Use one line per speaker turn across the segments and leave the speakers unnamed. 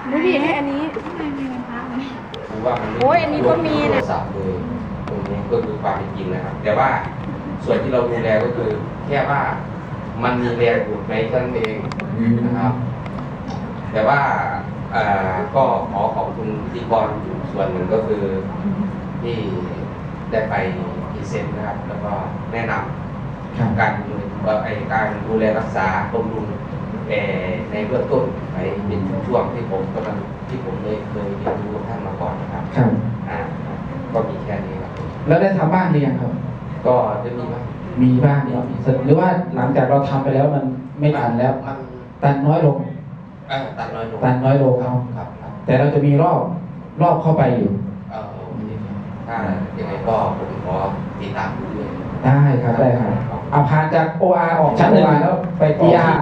ดูดิให้อันนี้
ไม่มีวันพักเลย
คือว่ามัน
โอ้ยอันนี้ก็มีนะ
โทรศัพท์เลยตรงนี้ก็คือความเป็นจริงนะครับ แต่ว่าส่วนที่เราดูแลก็คือแค่ว่ามันมีแรงดูดไหมเท่านั้นเองนะครับ แต่ว่าก็ขอขอบคุณพิธีกรส่วนหนึ่งก็คือที่ได้ไปพรีเซนต์นะครับ แล้วก็แนะนำการดูแลรักษาบำรุงในเบื้องต้นไปเป็นช่วงที่ผมได้เคยเรียนรู้ท่านมาก่อนนะครับ
ครับ
ก็มีแค่นี้ครับ
แล้วได้ทำบ้านหรือยังครับ
ก็จะมีว่า
มีบ้างครับหรือว่าหลังจากเราทำไปแล้วมันไม่ตันแล้ว
มัน
ตันน้อยลง
ตันน้อยลง
ตันน้อยลง
ครับครับ
แต่เราจะมีรอบเข้าไปอยู่
ถ้ายังไงก็ผมขอติดตามดูด้วย
ได้ครับได้ครับเอาผ่านจาก OR ออกชั้น OR แล้วไป ER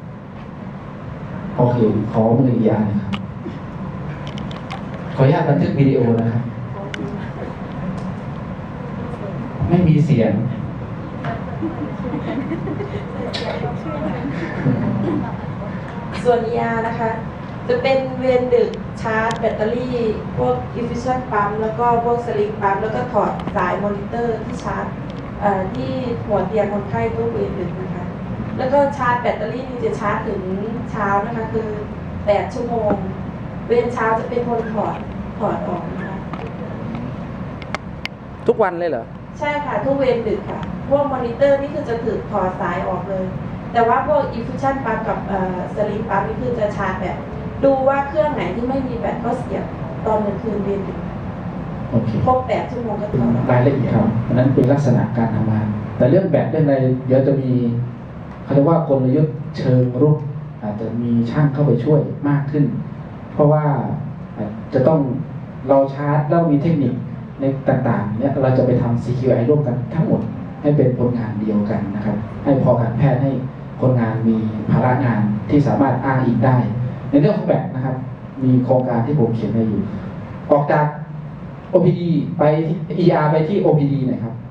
โอเคขอมือ ER นะครับ ขออนุญาตบันทึกวิดีโอนะครับ ไม่มีเสียง
ส่วน ER นะคะ จะเป็นเวรดึกชาร์จแบตเตอรี่พวก efficient ปั๊มแล้วก็พวกสลิงปั๊มแล้วก็ถอดสายมอนิเตอร์ที่ชาร์จที่หัวเตียงคนไข้ทุกเวรดึกนะคะ แล้วก็ชาร์จแบตเตอรี่นี่จะชาร์จถึงเช้านะคะคือ8 ชั่วโมง เวรเช้าจะเป็นคนถอดออกนะคะ
ทุกวันเลยเหรอ
ใช่ค่ะทุกเวรดึกค่ะ พวกมอนิเตอร์นี่คือจะถือถอดสายออกเลย แต่ว่าพวก efficient ปั๊มกับสลิงปั๊มนี่คือจะชาร์จแบบดูว่าเครื่องไหนที่ไม่มีแบตก็เสียบตอนกลางคืนเวรดึก
โอเค
ครบ8 ชั่วโมงก็ถอดออก
รายละเอียดครับอันนั้นเป็นลักษณะการทำงาน แต่เรื่องแบตเรื่องอะไรเดี๋ยวจะมีเขาเรียกว่ากลยุทธ์เชิงรุกอาจจะมีช่างเข้าไปช่วยมากขึ้น เพราะว่าจะต้องเราชาร์จแล้วมีเทคนิคในต่างๆเนี่ยเราจะไปทำ CQI ร่วมกันทั้งหมดให้เป็นผลงานเดียวกันนะครับ ให้พอการแพทย์ให้คนงานมีภาระงานที่สามารถอ้างอิงได้ ในเรื่องของแบตนะครับ มีโครงการที่ผมเขียนไว้อยู่ ออกจาก OPD ไป ER ไปที่ OPD หน่อยครับ